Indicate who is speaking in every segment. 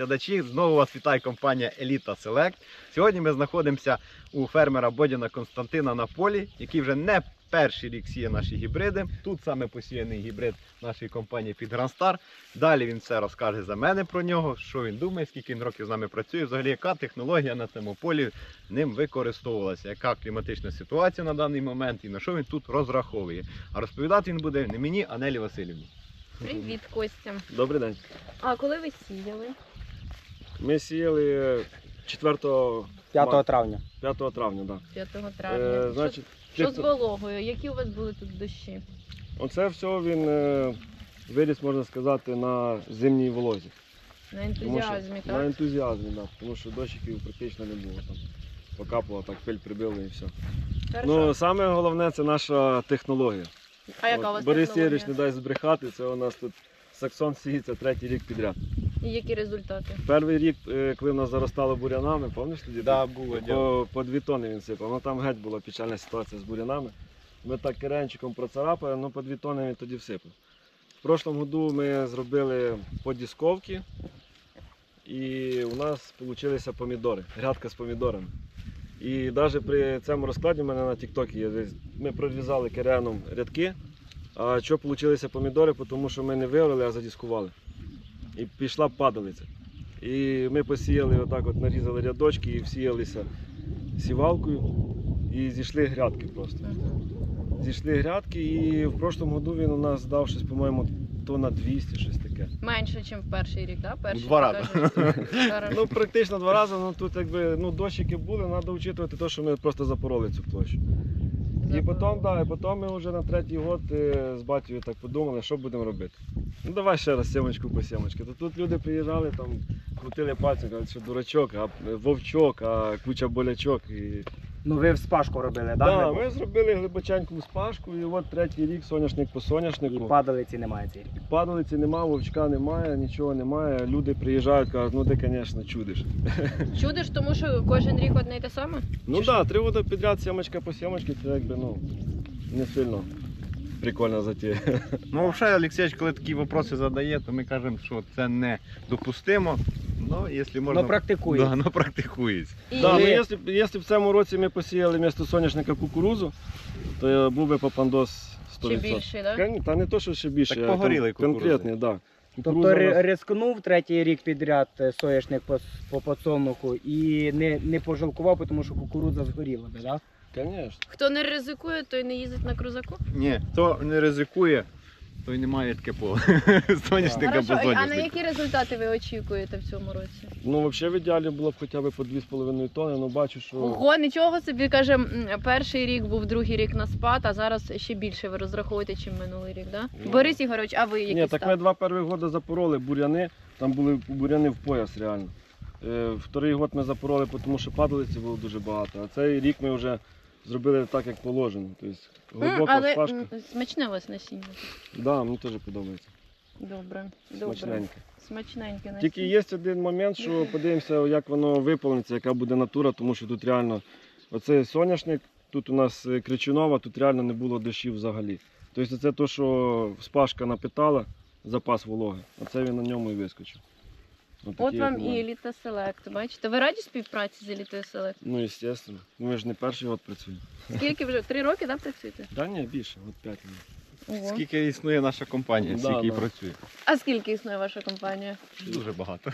Speaker 1: глядачі, знову вас вітає компанія Еліта Селект. Сьогодні ми знаходимося у фермера Бодіна Костянтина на полі, який вже не перший рік сіє наші гібриди. Тут саме посіяний гібрид нашої компанії під Грандстар. Далі він все розкаже за мене про нього, що він думає, скільки він років з нами працює, взагалі яка технологія на цьому полі ним використовувалася, яка кліматична ситуація на даний момент і на що він тут розраховує. А розповідати він буде не мені, а Нелі Васильівні.
Speaker 2: Привіт, Костя.
Speaker 3: Добрий день.
Speaker 2: А коли ви сіяли?
Speaker 3: Ми сіяли 5
Speaker 4: травня.
Speaker 3: 5 травня, так.
Speaker 2: 5 травня.
Speaker 3: Значить,
Speaker 2: що з вологою? Які у вас були тут дощі?
Speaker 3: Оце все він виріс, можна сказати, на зимній волозі.
Speaker 2: На ентузіазмі,
Speaker 3: На
Speaker 2: так?
Speaker 3: ентузіазмі, так. Тому що дощиків практично не було. Там покапало, так пиль прибило і все.
Speaker 2: Хорошо.
Speaker 3: Ну, саме головне це наша технологія.
Speaker 2: А яка у вас
Speaker 3: Борис
Speaker 2: технологія?
Speaker 3: Єрич не дасть збрехати, це у нас тут саксон сіється 3-й рік підряд.
Speaker 2: І які результати?
Speaker 3: Перший рік, коли в нас заростало бурянами, пам'ятаєш тоді?
Speaker 1: Да, було.
Speaker 3: По 2 тонни він сипав. Ну там геть була печальна ситуація з бурянами. Ми так керенчиком процарапали, ну по 2 тонни він тоді всипав. В прошлому году ми зробили подісковки і у нас вийшли помідори, грядка з помідорами. І навіть при цьому розкладі в мене на тіктокі є, ми прорізали кереном рядки, а що вийшли помідори, тому що ми не виорали, а задіскували. І пішла падалиця. І ми посіяли, отак от нарізали рядочки і всіялися сівалкою і зійшли грядки просто. Зійшли грядки і в прошлому году він у нас дав щось, по-моєму, тонна 200, щось таке.
Speaker 2: Менше, ніж в перший рік, так?
Speaker 1: У 2 рази.
Speaker 3: Ну, практично 2 рази, ну тут якби, ну, дощики були, треба вчитувати те, що ми просто запороли цю площу. І потім ми вже на 3-й год з батьком так подумали, що будемо робити. Ну давай ще раз сімочку по сімочки. То тут люди приїжджали, там крутили пальцем, кажуть, що дурачок, а вовчок, а куча болячок. І...
Speaker 4: Ну ви в спашку робили, так?
Speaker 3: Так, ми зробили глибоченьку спашку і от 3-й рік соняшник по соняшнику.
Speaker 4: І падалиці немає цей рік.
Speaker 3: Падалиці немає, вовчка немає, нічого немає. Люди приїжджають, кажуть, ну ти, звісно, чудиш.
Speaker 2: Чудиш, тому що кожен рік одне й те саме?
Speaker 3: Ну так, 3 роки підряд сімочка по сімочці, це якби, ну, не сильно прикольна затія.
Speaker 1: Ну, взагалі, Олексійович, коли такі питання задає, то ми кажемо, що це не допустимо. Ну, якщо можна...
Speaker 4: Ну практикує.
Speaker 1: Да, ну, практикується.
Speaker 2: І...
Speaker 3: Так, ну, якщо б в цьому році ми посіяли вместо соняшника кукурудзу, то був би попандос 100%.
Speaker 2: Ще більший, так?
Speaker 3: Та не то, що ще більше,
Speaker 1: Так
Speaker 3: а
Speaker 1: погорілий
Speaker 3: конкретний, так.
Speaker 4: Тобто рискнув 3-й рік підряд соняшник по подсолнуху і не пожалкував, тому що кукурудза згоріла, так?
Speaker 3: Звісно.
Speaker 2: Хто не ризикує, той не їздить на крузаку?
Speaker 1: Ні, хто не ризикує, той не має таке поле. Соняшника без
Speaker 2: Хорошо, а на
Speaker 1: соняшника.
Speaker 2: які результати ви очікуєте в цьому році?
Speaker 3: Ну, взагалі в ідеалі було б хоча б по 2,5 тонни, але бачу, що...
Speaker 2: Ого, нічого собі, каже, перший рік був, другий рік на спад, а зараз ще більше ви розраховуєте, ніж минулий рік, так?
Speaker 3: Ну,
Speaker 2: Борис Ігорович, а ви які
Speaker 3: Ні, так ми
Speaker 2: ставки?
Speaker 3: 2 перших роки запороли буряни, там були буряни в пояс реально. Вторий год ми запороли, тому що падалиці було дуже багато, а цей рік ми вже зробили так, як положено. Тобто глибока
Speaker 2: Але
Speaker 3: спашка.
Speaker 2: смачне у вас насіння.
Speaker 3: Да, мені теж подобається.
Speaker 2: Добре,
Speaker 3: Смачненьке.
Speaker 2: Смачненьке насіння.
Speaker 3: Тільки є один момент, що подивимося, як воно виповниться, яка буде натура, тому що тут реально оцей соняшник, тут у нас кричунова, тут реально не було дощів взагалі. Тобто це те, що спашка напитала, запас вологи, оце він на ньому і вискочив.
Speaker 2: От вам і Еліта Селект, бачите? Ви раді співпраці з Елітою Селект?
Speaker 3: Ну, звісно. Ми ж не перший год працюємо.
Speaker 2: Скільки вже? 3 роки, так, працюєте?
Speaker 3: Так, ні, більше, от 5 років.
Speaker 2: Ого.
Speaker 1: Скільки існує наша компанія,
Speaker 3: Да,
Speaker 1: скільки
Speaker 3: да.
Speaker 1: працює?
Speaker 2: А скільки існує ваша компанія?
Speaker 1: Дуже багато.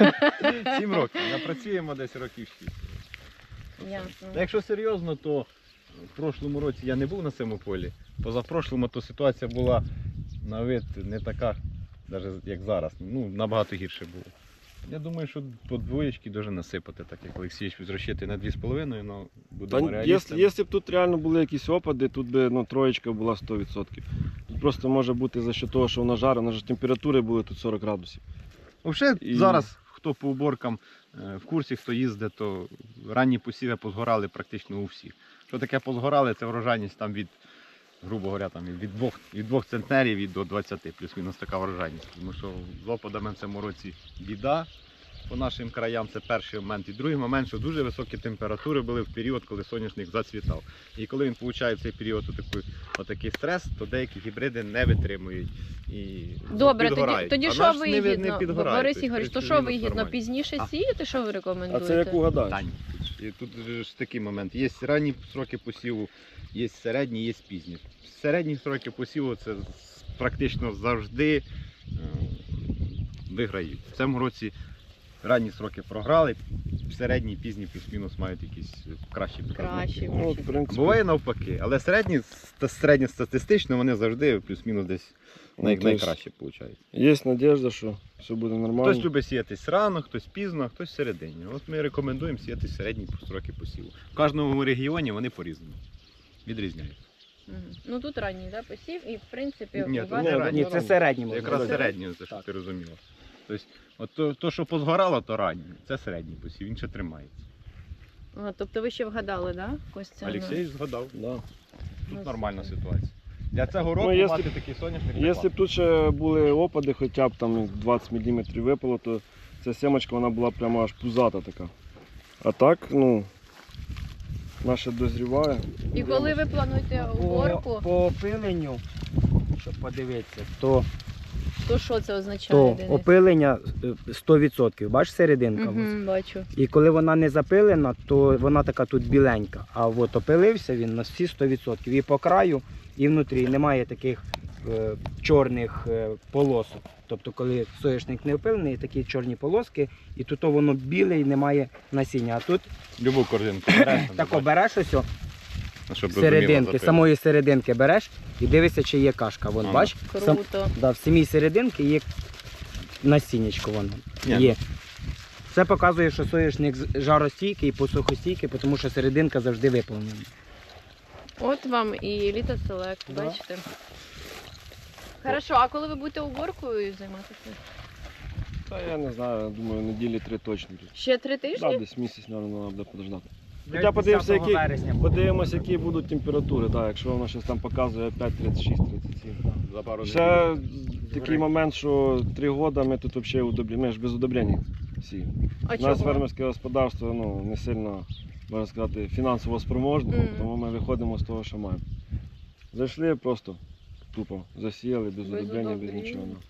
Speaker 1: 7 років. Ми працюємо десь років 6.
Speaker 2: Ясно.
Speaker 1: Якщо серйозно, то в прошлому році я не був на цьому полі. Позапрошлому то ситуація була на вид не така, навіть як зараз. Ну, набагато гірше було. Я думаю, що по двоєчки дуже насипати, так як Олексійович розраховує на 2,5, але будемо реалістами.
Speaker 3: Якщо б тут реально були якісь опади, тут би ну, троєчка була 100%. Тут просто може бути за що того, що вона жарить, у нас ж температури були тут 40 градусів.
Speaker 1: Взагалі,
Speaker 3: І-
Speaker 1: зараз, хто по уборкам в курсі, хто їздить, то ранні посіви позгорали практично у всіх. Що таке позгорали, це врожайність там від, грубо говоря, там, від 2 центнерів і до 20, плюс-мінус така врожайність. Тому що з опадами в цьому році біда. По нашим краям це перший момент. І другий момент, що дуже високі температури були в період, коли соняшник зацвітав. І коли він отримує в цей період отакий стрес, то деякі гібриди не витримують. і
Speaker 2: Добре,
Speaker 1: підгорають.
Speaker 2: тоді
Speaker 1: А
Speaker 2: що
Speaker 1: наш не
Speaker 2: вигідно?
Speaker 1: підгорає,
Speaker 2: Борис
Speaker 1: тобто,
Speaker 2: Ігорович, то
Speaker 1: в
Speaker 2: що
Speaker 1: принципі,
Speaker 2: вигідно?
Speaker 1: нормально.
Speaker 2: Пізніше
Speaker 1: А.
Speaker 2: сіяти, що ви
Speaker 3: А
Speaker 2: рекомендуєте?
Speaker 3: це як угадаєш.
Speaker 1: Тань. І тут же ж такий момент. Є ранні сроки посіву, є середні, є пізні. Середні сроки посіву це практично завжди виграють. В цьому році ранні сроки програли, середні, пізні плюс-мінус мають якісь кращі показники.
Speaker 2: Краще.
Speaker 3: Ну, от, в принципі,
Speaker 1: Буває навпаки, але середньостатистично вони завжди плюс-мінус десь
Speaker 3: ну, тобто,
Speaker 1: найкраще виходить.
Speaker 3: Є надіжда, що все буде нормально.
Speaker 1: Хтось любить сіятись рано, хтось пізно, хтось всередині. От ми рекомендуємо сіяти середні строки посіву. В кожному регіоні вони по-різному відрізняються.
Speaker 2: Мгм. Ну тут ранній, да, посів, і в принципі
Speaker 1: Ні,
Speaker 2: у
Speaker 1: то
Speaker 2: вас
Speaker 1: не
Speaker 3: Ні,
Speaker 1: ранні.
Speaker 4: Ні, це середній
Speaker 1: Це
Speaker 4: можна
Speaker 1: якраз
Speaker 4: сказати.
Speaker 1: середнє, це щоб
Speaker 4: Так.
Speaker 1: ти розуміла. Тобто, от то, що позгорало, то раннє. Це середній посів, він ще тримається.
Speaker 2: Тобто ви ще вгадали, да, Костя?
Speaker 1: Олексій згадав.
Speaker 3: Да.
Speaker 1: Тут
Speaker 2: Ну,
Speaker 1: нормальна
Speaker 2: супер.
Speaker 1: ситуація. Для цього року
Speaker 3: якщо-
Speaker 1: мати такий соняшник.
Speaker 3: Якщо б тут ще були опади, хоча б там 20 мм випало, то ця сімочка вона була прямо аж пузата така. А так, ну, наша дозріває.
Speaker 2: І коли ви плануєте уборку,
Speaker 4: По опиленню, щоб подивитися, то
Speaker 2: то що це означає? Денис?
Speaker 4: опилення 100%. Бачиш серединка? ось?
Speaker 2: Мгм, бачу.
Speaker 4: І коли вона не запилена, то вона така тут біленька. А от опилився він на всі 100%. І по краю, і внутрі немає таких чорних полосок. Тобто, коли соняшник не опилений, такі чорні полоски, і тут воно біле і немає насіння. А тут
Speaker 1: Любу корзинку береш, там,
Speaker 4: тако береш ось о,
Speaker 1: щоб
Speaker 4: серединки,
Speaker 1: розуміло,
Speaker 4: самої серединки береш і дивишся, чи є кашка. Вон,
Speaker 1: Ага.
Speaker 4: бач,
Speaker 2: Круто.
Speaker 4: да, в самій серединки є насіннячко воно.
Speaker 1: Ні,
Speaker 4: Є. Це показує, що соняшник жаростійкий і посухостійкий, тому що серединка завжди виповнена.
Speaker 2: От вам і Еліта Селект,
Speaker 4: Да.
Speaker 2: бачите. Хорошо, а коли ви будете уборкою займатися?
Speaker 3: Та я не знаю, думаю, неділі 3 точно.
Speaker 2: Ще 3 тижні?
Speaker 3: Так, десь місяць, мабуть, треба буде подождати.
Speaker 4: Хоча
Speaker 3: Хоча подивимося, які,
Speaker 4: вересня.
Speaker 3: подивимося, які будуть температури. Так, якщо воно щось там показує 5,36-37.
Speaker 1: За пару
Speaker 3: Ще
Speaker 1: днів.
Speaker 3: такий момент, що 3 роки ми тут взагалі ми ж без удобрень сіємо.
Speaker 2: А
Speaker 3: У нас
Speaker 2: чого?
Speaker 3: фермерське господарство ну, не сильно, можна сказати, фінансово спроможне,
Speaker 2: Мгм.
Speaker 3: тому ми виходимо з того, що маємо. Зайшли просто тупо, засіяли без
Speaker 2: Без
Speaker 3: удобрення, без
Speaker 2: удобрень.
Speaker 3: нічого. ну.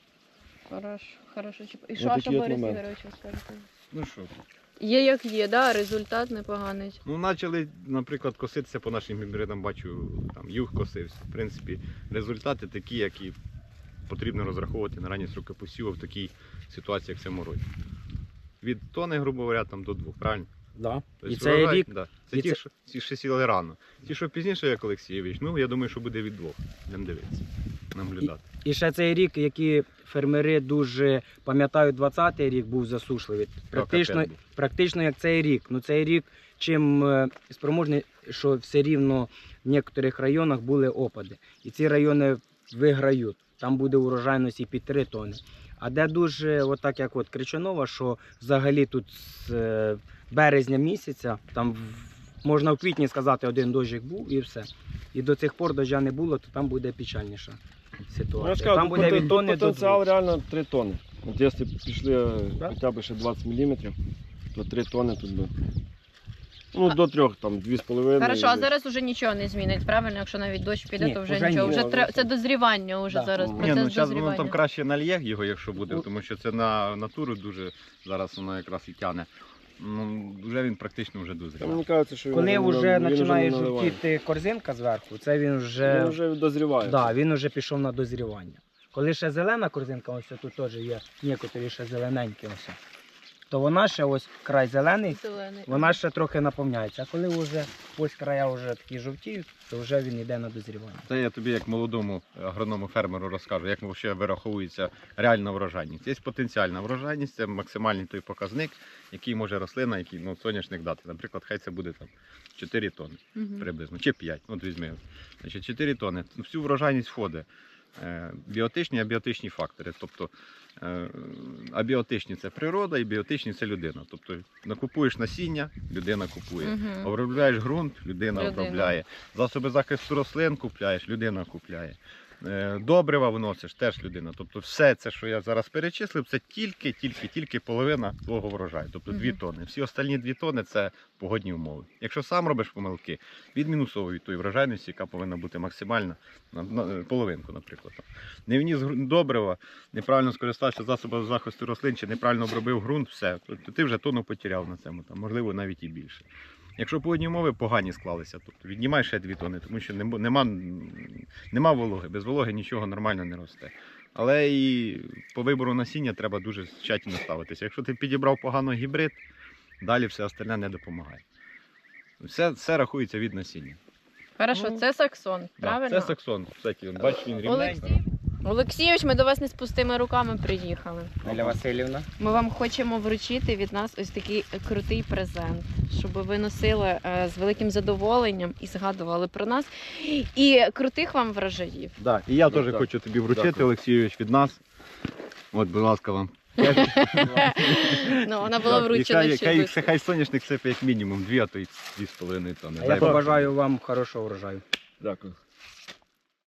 Speaker 2: Хорошо. І
Speaker 3: Ось
Speaker 2: що,
Speaker 3: такі
Speaker 2: що
Speaker 3: от
Speaker 2: Борис
Speaker 3: моменти.
Speaker 2: Ігорович, ви скажете?
Speaker 1: Ну що,
Speaker 2: Є як є, да? Результат непоганий.
Speaker 1: ну почали, наприклад, коситися по нашим гібридам, бачу, там юг косився. В принципі, результати такі, які потрібно розраховувати на ранні сроки посіву в такій ситуації, як в цьому році. Від тони, грубо говоря, там до 2, правильно?
Speaker 4: Да.
Speaker 1: Тобто
Speaker 4: І цей рік
Speaker 1: да. Це
Speaker 4: і
Speaker 1: ті,
Speaker 4: це-
Speaker 1: що ті, що сіли рано. Ті, що пізніше, як Олексійович, ну я думаю, що буде від 2. Будемо дивитися, наблюдати.
Speaker 4: І ще цей рік, які фермери дуже пам'ятають, 20-й рік був засушливий. Практично,
Speaker 1: Капець був.
Speaker 4: практично як цей рік. Ну цей рік чим спроможний, що все рівно в деяких районах були опади. І ці райони виграють. Там буде урожайність і під 3 тони. А де дуже, отак як от Кричанова, що взагалі тут з березня місяця, там можна в квітні сказати, один дощик був і все. І до цих пор дождя не було, то там буде печальніша
Speaker 3: Ну, я
Speaker 4: ситуація.
Speaker 3: ж кажу,
Speaker 4: Там
Speaker 3: тут
Speaker 4: буде від тони до
Speaker 3: потенціал
Speaker 4: 2.
Speaker 3: реально 3 тони. От якщо пішли
Speaker 4: Да?
Speaker 3: хоча б ще 20 мм, то 3 тони тут би. Ну, до 3, там 2,5.
Speaker 2: Хорошо, а зараз уже нічого не змінить, правильно? Якщо навіть дощ піде,
Speaker 4: Ні,
Speaker 2: то вже
Speaker 4: вже
Speaker 2: нічого.
Speaker 4: ні.
Speaker 2: Вже
Speaker 3: Ні,
Speaker 2: тре-
Speaker 3: вже
Speaker 2: Це
Speaker 3: все.
Speaker 2: дозрівання уже
Speaker 4: Да.
Speaker 2: зараз.
Speaker 3: Ні,
Speaker 1: Ні,
Speaker 2: Процес
Speaker 1: ну зараз воно
Speaker 2: дозрівання.
Speaker 1: там краще нальє його, якщо буде, тому що це на натуру дуже зараз воно якраз і тягне. Ну, вже він практично вже
Speaker 3: Та
Speaker 1: дозрів.
Speaker 3: мені кажеться, що
Speaker 4: Коли
Speaker 3: він
Speaker 4: вже
Speaker 3: не
Speaker 4: починає
Speaker 3: наливає.
Speaker 4: жовтіти корзинка зверху, це він
Speaker 3: Він
Speaker 4: вже,
Speaker 3: вже дозріває.
Speaker 4: да, він вже пішов на дозрівання. Коли ще зелена корзинка, ось тут теж є некоторі ще зелененькі, ось, то вона ще ось край зелений,
Speaker 2: Зелений.
Speaker 4: вона ще трохи наповняється. А коли вже ось края вже такі жовтіють, то вже він йде на дозрівання.
Speaker 1: Це я тобі як молодому агроному фермеру розкажу, як взагалі вираховується реальна врожайність. Є потенціальна врожайність, це максимальний той показник, який може рослина, який соняшник дати. Наприклад, хай це буде там 4 тони
Speaker 2: Мгм.
Speaker 1: приблизно, чи 5, от візьми. Значить, 4 тони. В всю врожайність входить біотичні і абіотичні фактори. Тобто абіотичні – це природа і біотичні – це людина. Тобто накупуєш насіння, людина купує.
Speaker 2: Мгм.
Speaker 1: Обробляєш ґрунт, людина
Speaker 2: Людина.
Speaker 1: обробляє. Засоби захисту рослин купляєш, людина купляє. Добрива вносиш, теж людина. Тобто все це, що я зараз перечислив, це тільки половина твого врожаю. Тобто 2
Speaker 2: Мгм.
Speaker 1: тонни. Всі остальні 2 тонни це погодні умови. Якщо сам робиш помилки, відмінусовуй тої врожайності, яка повинна бути максимальна, на половинку, наприклад. Не вніс добрива, неправильно скористався засобами захисту рослин, чи неправильно обробив ґрунт, все. Тобто ти вже тонну потеряв на цьому, там, можливо, навіть і більше. Якщо погодні умови погані склалися, тобто віднімай ще 2 тонни, тому що нема вологи, без вологи нічого нормально не росте. Але і по вибору насіння треба дуже тщательно ставитися. Якщо ти підібрав погано гібрид, далі все остальне не допомагає. Все рахується від насіння.
Speaker 2: Хорошо,
Speaker 1: Ну,
Speaker 2: це саксон,
Speaker 1: Да,
Speaker 2: правильно?
Speaker 1: це саксон. Кстати, бачиш, він рівненький.
Speaker 2: Олексій? Олексійович, ми до вас не з пустими руками приїхали.
Speaker 4: Неля Васильівна.
Speaker 2: Ми вам хочемо вручити від нас ось такий крутий презент, щоб ви носили з великим задоволенням і згадували про нас. І крутих вам врожаїв.
Speaker 1: Да, і я
Speaker 3: Ну,
Speaker 1: теж
Speaker 3: так.
Speaker 1: хочу тобі вручити,
Speaker 3: Дякую.
Speaker 1: Олексійович, від нас. От, будь ласка, вам.
Speaker 2: Ну, вона була вручена ще швидко.
Speaker 1: Хай соняшник сипе як мінімум 2, а то й 2,5 тонни.
Speaker 4: А я
Speaker 1: Дай Бог.
Speaker 4: побажаю вам хорошого врожаю.
Speaker 3: Дякую.